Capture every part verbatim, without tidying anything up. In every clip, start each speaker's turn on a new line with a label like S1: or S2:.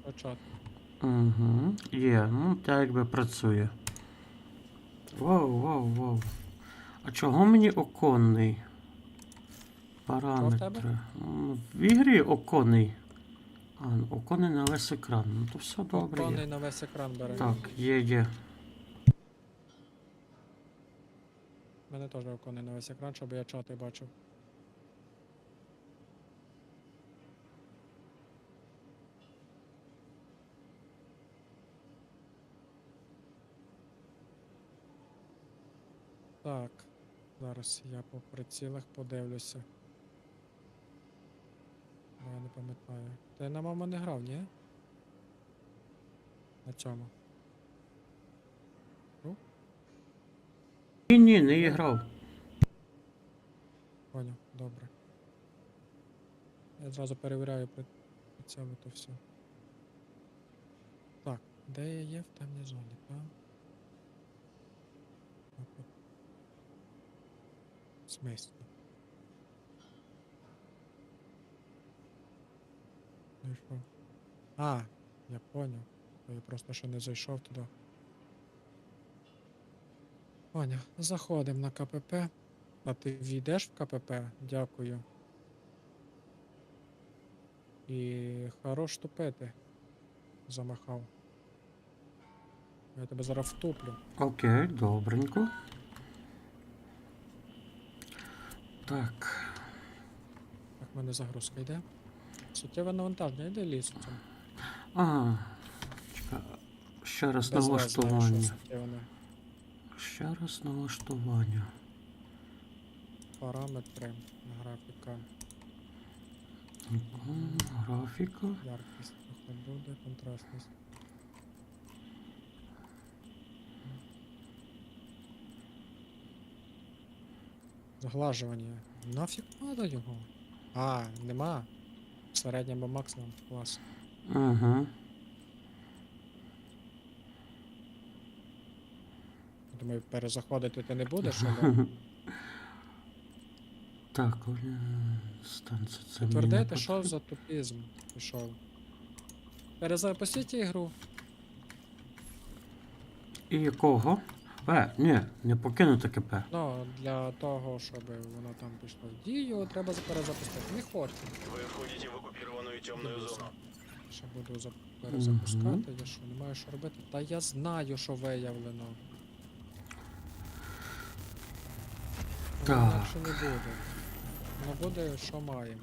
S1: почати.
S2: Угу. Є, ну так якби працює. Воу, воу, воу. А чого мені оконний?
S1: Що в тебе?
S2: Параметри. М, В ігрі оконний. А, ну, оконний на весь екран. Ну то все добре є.
S1: Оконний на весь екран бере.
S2: Так, є, є.
S1: У мене теж оконний на весь екран, щоб я чати бачив. Так, зараз я по прицілах подивлюся. Бо я не пам'ятаю. Ти на мама не грав, ні? На цьому.
S2: Ні, ні, не
S1: Ні?
S2: грав.
S1: Поняв, добре. Я зразу перевіряю при цьому то все. Так, де я є в темній зоні, так? Опа. В смислі? Ну і що? А, я поняв. То я просто ще не зайшов туди. Поняв. Заходимо на КПП. А ти війдеш в КПП? Дякую. І хорош тупити. Замахав. Я тебе зараз втуплю.
S2: Окей, добренько. Так.
S1: Так, в мене загрузка йде. Суттєве навантаження, йде лісом.
S2: А, чекай. Ще раз
S1: Без вас знаю, що
S2: налаштування.
S1: суттєве не.
S2: Ще раз налаштування.
S1: Параметри, графіка,
S2: М, Графіка.
S1: яркість, трохи буде, контрастність. Заглажування. Нафіг надо його? А, нема. Середній або максимум. Клас.
S2: Угу.
S1: Думаю, перезаходити ти не будеш, але
S2: Так, е, станція це мені не
S1: підтвердити, що
S2: потрібно.
S1: за тупізм пішов. Перезапустіть ігру.
S2: І якого? Е, ні, не покинути КП.
S1: Ну, для того, щоб воно там пішло в дію, треба перезапустити. Не хочу.
S3: Вы входите в оккупированную темную зону.
S1: Ще буду за- перезапускати, я що, не маю що робити? Та я знаю, що виявлено. Воно
S2: Так.
S1: інакше не буде. Воно буде, що маємо.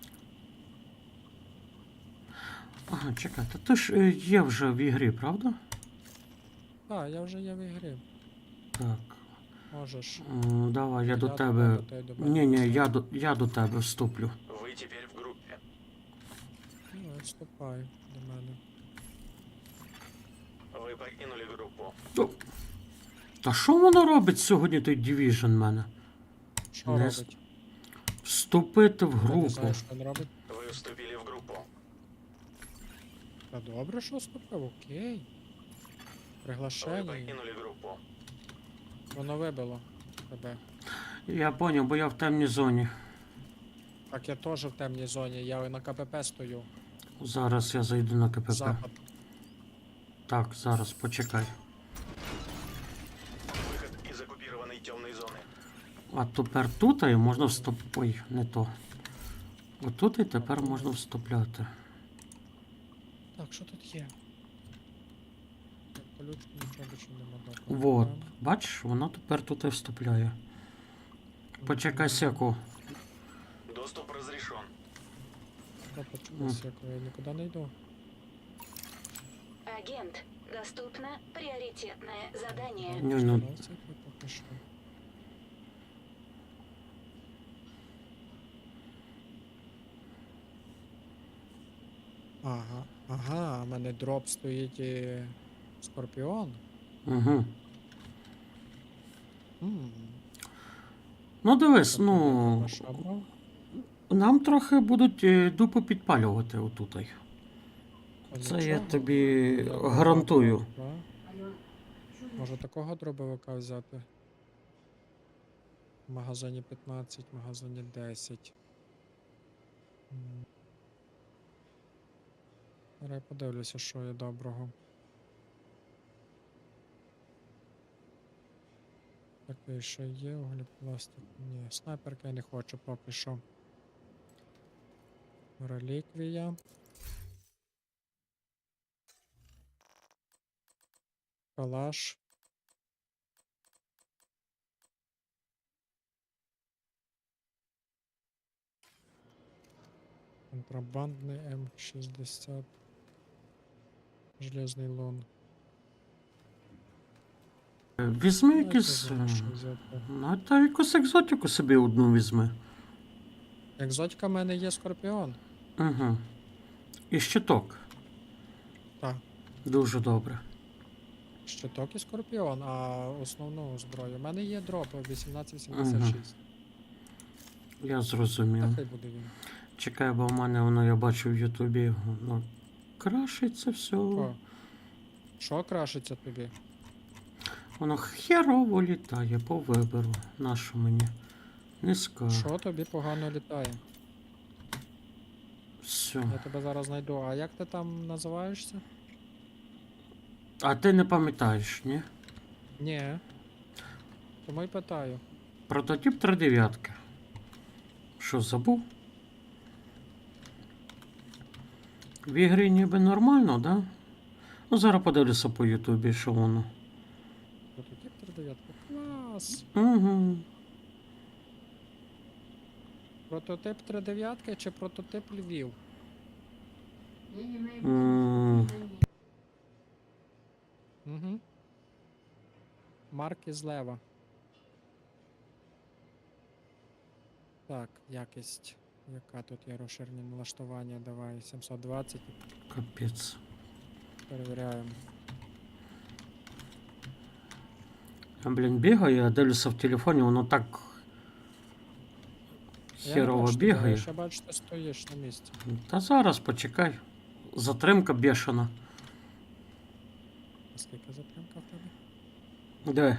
S2: Ага, чекай, та ти ж е, є вже в ігрі, правда?
S1: Так, я вже є в ігрі.
S2: Так.
S1: Можеш.
S2: М, Давай, я до
S1: Я
S2: тебе.
S1: до тебе, ти до мене.
S2: Ні, ні, я до, я до тебе вступлю.
S3: Вы теперь в группе.
S1: Ну, вступай до мене.
S3: Вы покинули группу.
S2: О, Та що воно робить сьогодні той Division в мене?
S1: Що
S2: Не з-
S1: робить?
S2: Вступити в
S1: Я не
S2: групу.
S1: знаю, що він робить.
S3: Вы вступили в группу.
S1: Та добре, що вступив, окей.
S3: Вы
S1: Приглашення.
S3: покинули группу.
S1: Воно вибило тебе.
S2: Я поняв, бо я в темній зоні.
S1: Так я теж в темній зоні, я на КПП стою.
S2: Зараз я зайду на КПП.
S1: Запад.
S2: Так, зараз, почекай.
S3: Выход из оккупированной темной зоны.
S2: А тепер тут і можна вступ... Ой, не то. Отут і тепер можна вступляти.
S1: Так, що тут є? Ключ, нічого більше нема. добре.
S2: Вот.
S1: Там.
S2: Бачиш, воно тепер тут і вступляє. Почекай секу.
S3: Доступ разрешен.
S1: Та почекай секу, я нікуди не йду.
S4: Агент, доступно приоритетное задание.
S2: Ні, ну,
S1: Що це поки що? Ага, ага, у мене дроп стоїть і Скорпіон.
S2: угу.
S1: М,
S2: Ну дивись,
S1: тобто я
S2: ну.
S1: тебе шабрав.
S2: Нам трохи будуть е, дупу підпалювати отутай.
S1: Та
S2: Це я
S1: нічого.
S2: тобі
S1: Добре,
S2: гарантую.
S1: добре. Може такого дробовика взяти? В магазині п'ятнадцять, в магазині десять. М. Зараз я подивлюся, що є доброго. Такий ще є, углепластик. Ні, снайперка я не хочу поки що. Реліквія. Калаш. Контрабандний М шістдесят. Железний лон.
S2: Е, Візьми
S1: Ну, я
S2: якийсь.
S1: не знаю,
S2: е,
S1: що взяти.
S2: Ну, та якусь екзотику собі одну візьми.
S1: Екзотика в мене є скорпіон.
S2: Угу. І щиток.
S1: Так.
S2: Дуже добре.
S1: Щиток і скорпіон, а основну зброю. У мене є дроп вісімнадцять сімдесят шість.
S2: Я зрозумів.
S1: Та хай буде він.
S2: Чекай, бо в мене воно я бачу в Ютубі. Воно крашиться все.
S1: О. Що крашиться тобі?
S2: Воно херово літає по вибору. Нащо мені? Не скажу.
S1: Що тобі погано літає?
S2: Все.
S1: Я тебе зараз знайду. А як ти там називаєшся?
S2: А ти не пам'ятаєш, ні?
S1: Ні. Тому й питаю.
S2: Прототип три дев'ятки. Що, забув? В ігрі ніби нормально, да? Ну, зараз подивлюся по Ютубі, що воно.
S1: Прототип три дев'ятки. Клас!
S2: Угу.
S1: Прототип три дев'ятки чи прототип Львів?
S2: М,
S1: Угу. Марки злева. Так, якість. Яка тут є розширені налаштування? Давай сімсот двадцять.
S2: Капець.
S1: Перевіряємо.
S2: Я, блін, бігаю, я дивлюся в телефоні, воно так
S1: Я не
S2: херово
S1: бачу тебе,
S2: бігає.
S1: Я ще бачу, ти стоїш на місці.
S2: Та зараз почекай. Затримка бешена.
S1: А скільки затримка в тебе?
S2: Де?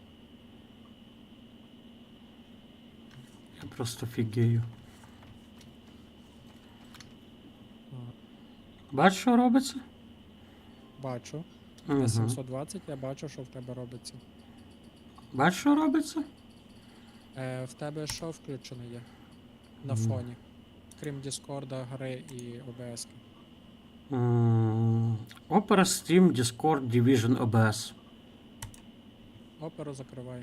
S2: Я просто фігею.
S1: А,
S2: Бачиш, що робиться?
S1: бачу.
S2: Угу.
S1: На сімсот двадцять я бачу, що в тебе робиться.
S2: Бачиш, що робиться?
S1: Е, в тебе що включено є? На
S2: Мгм.
S1: фоні. Крім Діскорда, гри і О Б С.
S2: М, Opera, Steam, Discord, Division, о бе ес.
S1: Оперу закривай.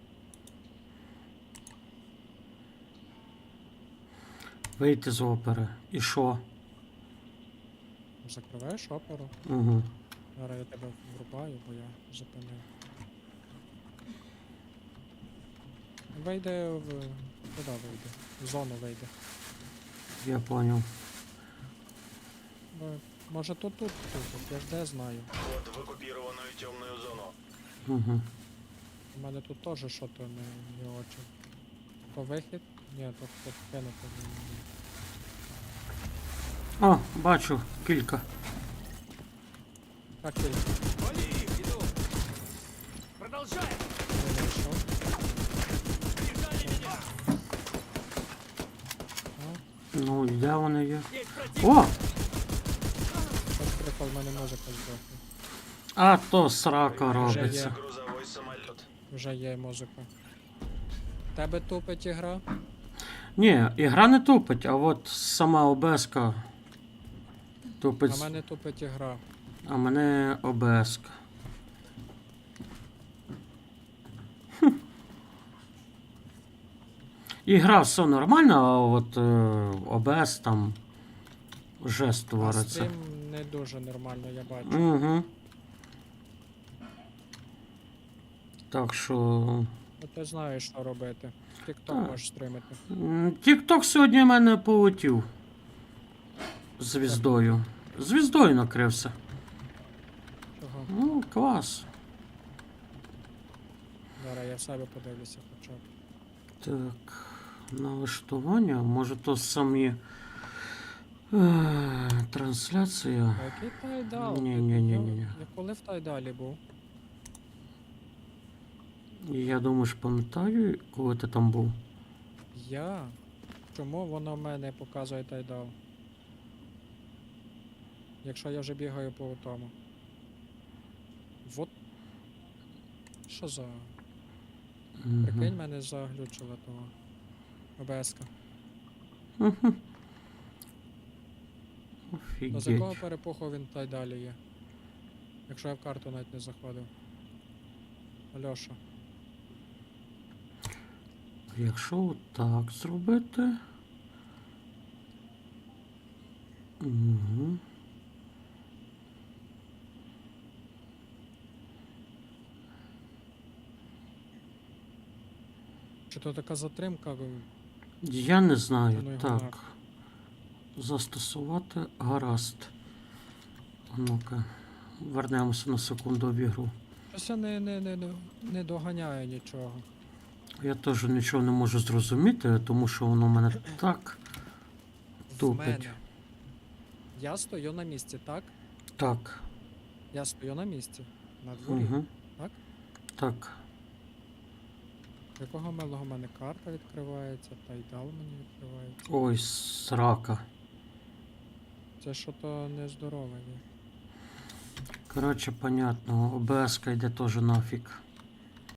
S2: Вийти з опери. І що?
S1: Закриваєш оперу.
S2: Угу.
S1: Зараз я тебе врубаю, бо я зупинив. Вийде в. Куди вийде? В зону вийде.
S2: Я понял.
S1: Бо, може тут тут тут, я ж де знаю.
S3: Вход в оккупированную темную зону.
S2: Угу.
S1: У мене тут теж що то не, не очі. То вихід? Ні, то тут кинути. Ні, ні, ні.
S2: О, бачу, кілька.
S1: Так, тільки.
S5: Продолжаем!
S1: Не знайшов. А,
S2: Ну, де вони є?
S5: Есть противник!
S2: О!
S1: щось прикол, в мене музика здохла.
S2: А то срака
S1: Вже
S2: робиться.
S1: є.
S3: Грузовой самолет.
S1: Вже є музика. Тебе тупить ігра?
S2: Ні, ігра не тупить, а от сама ОБС-ка тупить.
S1: А мене тупить ігра.
S2: А мене ОБС-ка. Ігра все нормально, а от е, ОБС там вже
S1: А
S2: створиться.
S1: стрім не дуже нормально, я бачу.
S2: Угу. Так що.
S1: Ну, ти знаєш, що робити.
S2: Так.
S1: TikTok можеш стримити.
S2: Тік-ток сьогодні в мене полетів. Звіздою. Звіздою накрився.
S1: Чого?
S2: Ну, клас.
S1: Зараз я в себе подивлюся хоча б.
S2: Так, налаштування. Може то самі е, трансляція.
S1: А який тайдал?
S2: Ні,
S1: Ти-
S2: ні, ні,
S1: я-
S2: ні, ні.
S1: Я коли в тайдалі був?
S2: Я думаю, ж пам'ятаю, коли ти там був.
S1: Я? Чому воно в мене показує тайдал? Якщо я вже бігаю по тому. Вот. Що за. Прикинь,
S2: Угу.
S1: мене заглючило того. ОБС-ка.
S2: Угу.
S1: Ну з якого
S2: Офігеть.
S1: перепуху він та й далі є? Якщо я в карту навіть не заходив. Альоша.
S2: Якщо отак зробити. Угу.
S1: Чи то така затримка?
S2: Я не знаю.
S1: Ну, його
S2: Так.
S1: нахуй.
S2: Застосувати гаразд. А ну-ка. Вернемося на секунду в ігру.
S1: Щось я не, не, не, не, не доганяю нічого.
S2: Я теж нічого не можу зрозуміти, тому що воно в мене так
S1: В
S2: тупить.
S1: мене. Я стою на місці, так?
S2: Так.
S1: Я стою на місці. На дворі.
S2: Угу.
S1: так?
S2: Так.
S1: Якого милого в мене карта відкривається, та й дал мені відкривається.
S2: Ой, срака.
S1: Це що то нездорове є.
S2: Коротше, понятно. ОБС-ка йде теж нафіг.